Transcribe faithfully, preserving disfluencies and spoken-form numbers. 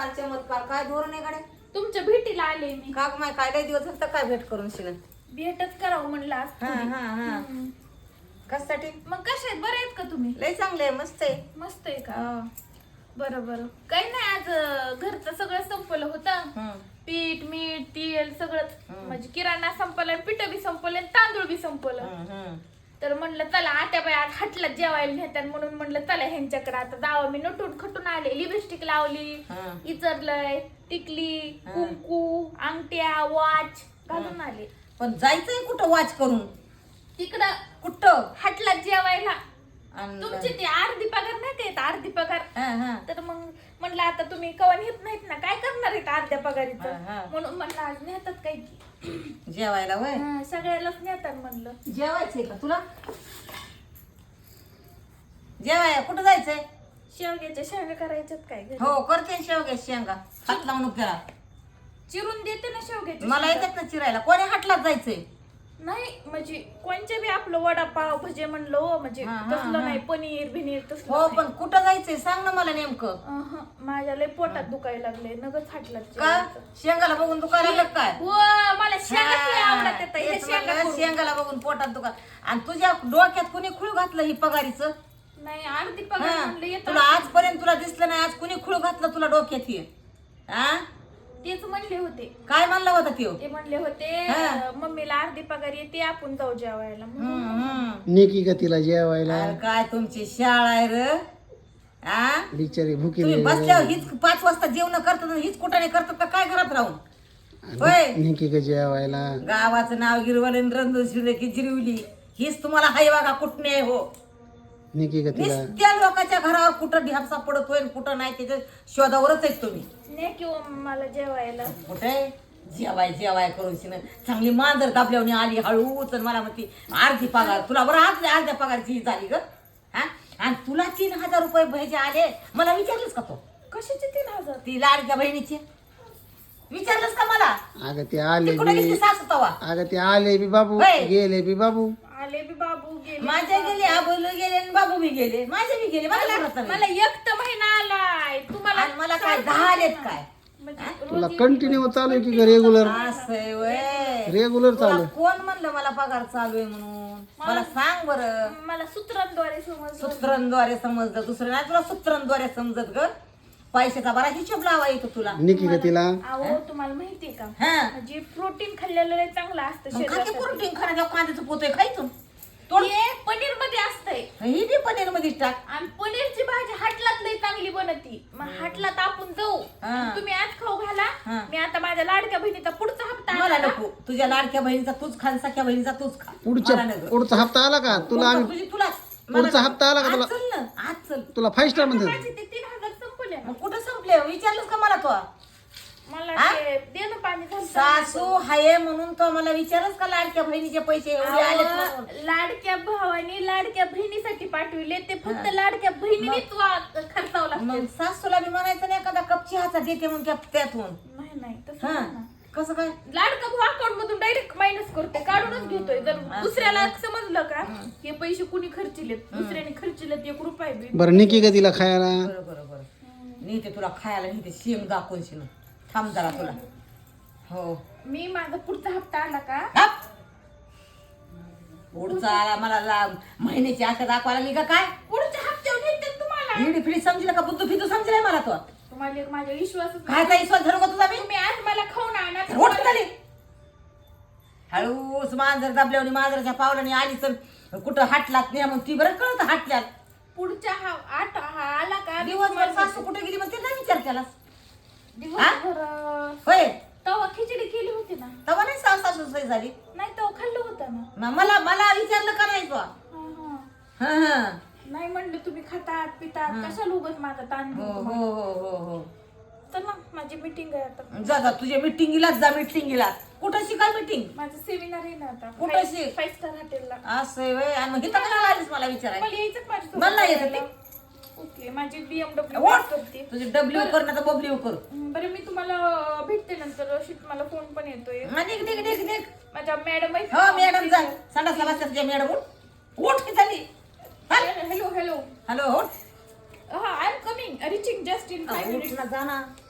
चमत्कार चमत्कार काय धोरण आहे गाड्या तुमच्या भेटीला आले मी. का माय काय लय दिवस झालं तर काय भेट करून शिन भेटच करावं म्हणलं आज हा थोडी. हा हा हम्म. कशासाठी मग कसे आहेत, बरे आहेत का तुम्ही? लय चांगले आहे मस्त आहे मस्त आहे का? हा. बरं बरं. काही नाही, आज अं, घरचं सगळं संपलं होतं. हम्म. पीठ मीठ तेल सगळंच, हम्म. म्हणजे किराणा संपला, पीठ बी संपलं आणि तांदूळ बी संपलं. हम्म, हम्म. तर म्हणलं चला आता बाई आज हटला जेवायला नेतात, म्हणून म्हणलं चला ह्यांच्याकडे आता जावं. मी नटून खटून आले, लिपस्टिक लावली, हा. इचरलंय, टिकली, हा. कुंकू, अंगठ्या, वॉच घालून आले. पण जायचंय कुठं वाच करून तिकडं कुठं हटला जेवायला. आणि- तुमची ती अर्धी पगार नाही का येत, अर्धी पगार. हा, हा. तर मग म्हणलं आता तुम्ही कवा नेत नाहीत ना, काय करणार आहेत अर्ध्या पगारीचं, हा, हा. म्हणून म्हणलं आज नेतात काय की. जेवायला वय हा, सगळ्यालाच नेतात म्हणलं. जेवायचंय का तुला जेवाय कुठं जायचंय शेवग्याच्या शेंगा करायच्यात काय घरी? हो करते शेवग्या शेंगा हात लावून करा चिरून देते ना शेवग्याच्या मला शेंगा. येतात ना चिरायला कोणी हाटलाच जायचंय नाही म्हणजे कोणच्या बी आपलं वडापाव भजे म्हणलं हो, म्हणजे हा, हा, तसलं हा. नाही, पनीर बिनीर तसलं हो नाही. पण कुठं जायचंय सांग ना मला नेमकं अहं, माझ्या लय पोटात दुखायला लागले, नगच हाटला का शेंगाला बघून दुकान लागलं काय हो मला शेंगाच लय आवडत येतं. हे तेच शेंगा म्हणलं, करून. शेंगाला बघून पोटात दुकान आणि तुझ्या डोक्यात कुणी खुळ घातलं ही पगारीचं नाही अर्धी पगार हा. म्हणलं येतं. तुला आजपर्यंत तुला दिसलं नाही आज कुणी खुळ घातलं तुला डोक्यात हे हा तेच म्हणले होते. काय म्हणला होता त्यो ते म्हणले होते हा. अं, मम्मीला अर्धी पगार येते, आपण जाऊ जेवायला. म्हणून हम्म, हम्म. नेकी का तिला जेवायला अरे काय तुमची शाळा आहे र आ बिचारी भुकी तुम्ही बसल्यावर हीच पाच वाजता जेवण करतात आणि हीच कुठाने करतात का काय घरात राहून होय नेकी का जेवायला गावाचं नाव गिरवले रंगशिले की जिरवली हीच तुम्हाला हाय बघा कुठने आहे हो नेकी का तिला त्या लोकांच्या घरावर कुठं ढ्यापसा पडत होय आणि कुठं नाही त्याच्या शोधावरच आहेत तुम्ही ने किंवा मला जेवायला. कुठे जेवाय जेवाय करून शिन चांगली मांजर दाबल्यावर आली हळूच आणि मला म्हणती अर्धी पगार तुला बरं आज अर्ध्या पगारची झाली ग हा आणि तुला तीन हजार रुपये भजे आले मला विचारलंस का तो कशाचे तीन हजार? ती लाडक्या बहिणीची विचारलंस का मला अगं ते आले ती कुठे बी गेली सासू तवा अगं ते आले बी बाबू होय. गेले बी बाबू आले बी बाबू गेले. माझे गेले आबोलू गेले आणि बाबू बी गेले माझे बी गेले मला मला कोणाचं मला नाही. एक तर महिना आलाय तुम्हाला. आणि मला काय दहा आलेत काय म्हणजे तुला रोज कंटिन्यू चालू आहे की रेग्युलर असं आहे व्हय. रेग्युलर तुला चालू कोण म्हणलं मला पगार चालू आहे म्हणून मला सांग बरं मला सूत्रांद्वारे समजलं. सूत्रांद्वारे समजलं दुसरं नाही तुला सूत्रांद्वारे समजत ग पैशाचा बरा हिशोब लावा येतो तुला नेकी का तिला अहो तुम्हाला माहितीये का, हा म्हणजे प्रोटीन खाल्लेलं लय चांगलं असतं मग खाते शरीरासाठी. प्रोटीन खाण्याच्या कांद्याचं पोतोय खायचं तोड हे पनीर मध्ये असतंय ही बी पनीर मध्ये टाक आणि पनीरची भाजी हाटलात लय चांगली बनती. मग हाटलात आपण जाऊ, हा. तुम्ही आज खाऊ घाला. हा. मी आता माझ्या लाडक्या बहिणीचा पुढचा हप्ता मला आला ना. नको तुझ्या लाडक्या बहिणीचा तूच खा आणि सख्या बहिणीचा तूच खा पुढच्या मला नको. पुढचा हप्ता आला का तुला पुढचा आम्ही तुझी तुला पुढचा हप्ता आला का तुला? आज चल ना आज चल तुला फाईव्ह स्टार मध्ये माझे ते तीन हजार संपले ना. मग कुठं संपले विचारलंस का मला तो मला हा? ते देणं पाणी झालं. सासू हाये म्हणून तो मला विचारच का लाडक्या बहिणीचे पैसे एवढे आलेत म्हणून अहो, लाडक्या भावाने लाडक्या बहिणीसाठी पाठविले, ते फक्त लाडक्या बहिणीनेच वा- खर्चावं लागतं. मग सासूला बी म्हणायचं नाही एखादा कप चहाचा देते म्हणून त्या- त्यातून नाही नाही तसं हा नाही ना. कसं काय लाडका भाऊ अकाउंट मधून डायरेक्ट मायनस करते, काढूनच घेतोय. जर दुसऱ्याला समजलं का हे पैसे कुणी खर्चिलेत, दुसऱ्याने खर्चिलेत एक रुपये बी. बरं नेकी का तिला खायला बरं बरं बरं नेते तुला खायला नेते शेंग दाखवून शिन थांब जरा तुला हो मी माझा पुढचा हप्ता आला का हप. पुढचा आला मला ला- महिन्याची आशा दाखवायला मी का काय पुढच्या हप्त्यावर देते तुम्हाला. हिडी फिडी समजलं का बुद्धू फिदू समजलंय मला तो तुम्हाला एक माझा विश्वासच काय काय विश्वास धरू का तुझा मी तुम्ही आज मला खाऊन आणा. रोट झाली हळूच मांजर दाबल्यावर मांजराच्या पावलाने आली तर कुठं हाटलात नाही मग ती बरं कळत हाटल्यात पुढच्या हा आठ हा आला का दिवसभर सासू कुठे गेली मग ते नाही विचार केला दिवसभर अं, होय तवा खिचडी केली होती ना. तेव्हा नाही सासू सासू सोय झाली नाही तवा खाल्लं होतं ना. मग मला मला विचारलं का नाही तो हा, हा. हा हा नाही म्हणलं तुम्ही खातात पितात कशाला उगत माझा ताण हो घेऊ हो तुम्हाला. हो हो हो चला माझी मीटिंग आहे आता. जा जा तुझ्या मिटिंगीलाच जा मिटिंगीला कुठं शिकाय मिटिंग माझं सेमिनार आहे ना आता कुठं शिक? फाईव्ह स्टार हॉटेलला. असं आहे व्हय. आणि मग इथं कशाला आलीस मला विचारायला मला यायचं का माझ्यासोबत मला नाही येत करायला? ते. ओके माझी बीएमडब्ल्यू ओट. करते. तुझे डब्ल्यू कर ना तर बबल्यू कर हं, बरं मी तुम्हाला भेटते नंतर. शिट मला फोन पण येतोय. हा, निघ निघ निघ निघ माझ्या मॅडम हो मॅडम जा संडासला बसतात तुझ्या मॅडम उठ उठ की झाली हॅलो हॅलो हॅलो उठ हा I am coming reaching just in five उठ मिनिट्स. ना जा ना